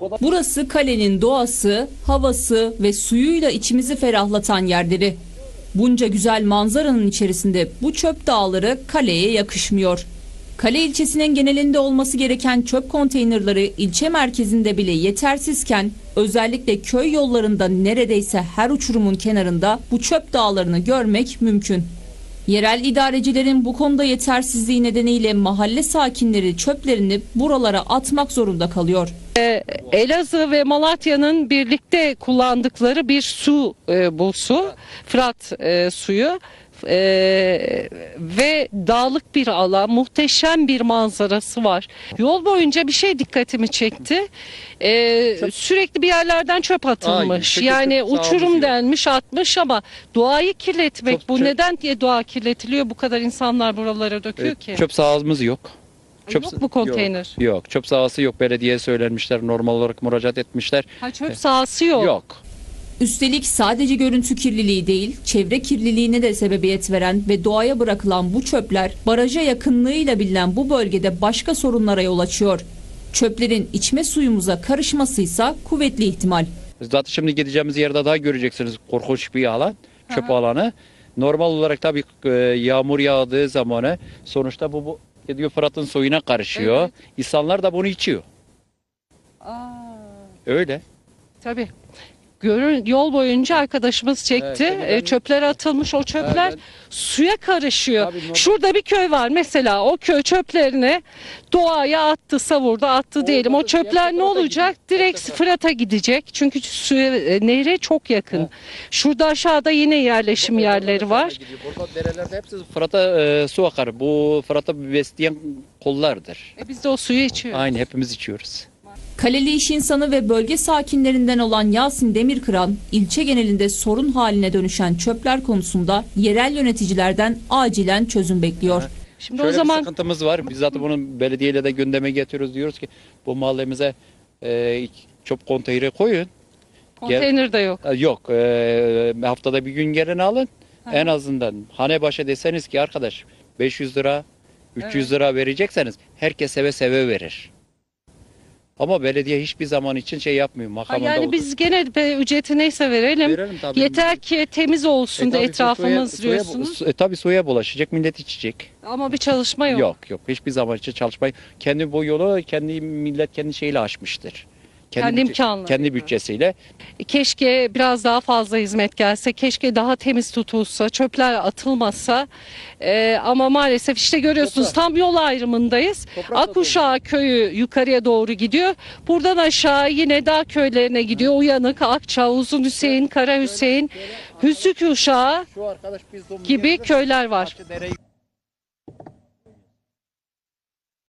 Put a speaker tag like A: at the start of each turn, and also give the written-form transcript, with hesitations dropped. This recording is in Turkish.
A: Burası kalenin doğası, havası ve suyuyla içimizi ferahlatan yerleri. Bunca güzel manzaranın içerisinde bu çöp dağları kaleye yakışmıyor. Kale ilçesinin genelinde olması gereken çöp konteynerleri ilçe merkezinde bile yetersizken özellikle köy yollarında neredeyse her uçurumun kenarında bu çöp dağlarını görmek mümkün. Yerel idarecilerin bu konuda yetersizliği nedeniyle mahalle sakinleri çöplerini buralara atmak zorunda kalıyor.
B: Elazığ ve Malatya'nın birlikte kullandıkları bir su, bu su, Fırat suyu. Ve dağlık bir alan, muhteşem bir manzarası var. Yol boyunca bir şey dikkatimi çekti. Sürekli bir yerlerden çöp atılmış. Yani uçurum denmiş, atmış ama doğayı kirletmek bu. Neden diye doğa kirletiliyor? Bu kadar insanlar buralara döküyor ki.
C: Çöp sahamız yok.
B: Yok mu konteyner?
C: Yok. Çöp sahası yok. Belediyeye söylenmişler. Normal olarak müracaat etmişler.
B: Çöp sahası yok.
C: Yok.
A: Üstelik sadece görüntü kirliliği değil, çevre kirliliğine de sebebiyet veren ve doğaya bırakılan bu çöpler baraja yakınlığıyla bilinen bu bölgede başka sorunlara yol açıyor. Çöplerin içme suyumuza karışmasıysa kuvvetli ihtimal.
C: Zaten şimdi gideceğimiz yerde daha göreceksiniz korkunç bir alan, çöp alanı. Normal olarak tabii yağmur yağdığı zamanı sonuçta bu gidiyor Fırat'ın suyuna karışıyor. Evet. İnsanlar da bunu içiyor. Öyle.
B: Tabii. Yol boyunca arkadaşımız çekti. Evet, çöpler atılmış. O çöpler suya karışıyor. Şurada bir köy var mesela. O köy çöplerini doğaya attı, savurdu, attı diyelim. O çöpler ne olacak? Direkt Fırat'a gidecek. Çünkü suya, nehre çok yakın. Evet. Şurada aşağıda yine yerleşim yerleri var.
C: Burada derelerde hepsi Fırat'a su akar. Bu Fırat'a besleyen kollardır.
B: Biz de o suyu içiyoruz.
C: Aynı hepimiz içiyoruz.
A: Kaleli iş insanı ve bölge sakinlerinden olan Yasin Demirkıran, ilçe genelinde sorun haline dönüşen çöpler konusunda yerel yöneticilerden acilen çözüm bekliyor.
C: Şimdi şöyle o zaman bir sıkıntımız var. Biz zaten bunu belediyeyle de gündeme getiriyoruz. Diyoruz ki bu mahallemize çöp konteyneri koyun.
B: Konteyner de yok.
C: Yok. Haftada bir gün gelin alın. En azından hane başa deseniz ki arkadaş 500 lira, 300 lira verecekseniz herkes seve seve verir. Ama belediye hiçbir zaman için şey yapmıyor.
B: Yani biz gene ücreti neyse verelim. Yeter ki temiz olsun da etrafımız diyorsunuz.
C: Tabii suya bulaşacak, millet içecek.
B: Ama bir çalışma yok.
C: Yok. Hiçbir zaman için çalışmayı. Kendi bu yolu millet kendi şeyle aşmıştır. Kendi bütçesiyle.
B: Keşke biraz daha fazla hizmet gelse, keşke daha temiz tutulsa, çöpler atılmasa. Ama maalesef işte görüyorsunuz tam yol ayrımındayız. Akuşağı köyü yukarıya doğru gidiyor. Buradan aşağı yine dağ köylerine gidiyor. Uyanık, Akça, Uzun Hüseyin, Kara Hüseyin, Hüsük Uşağı gibi köyler var.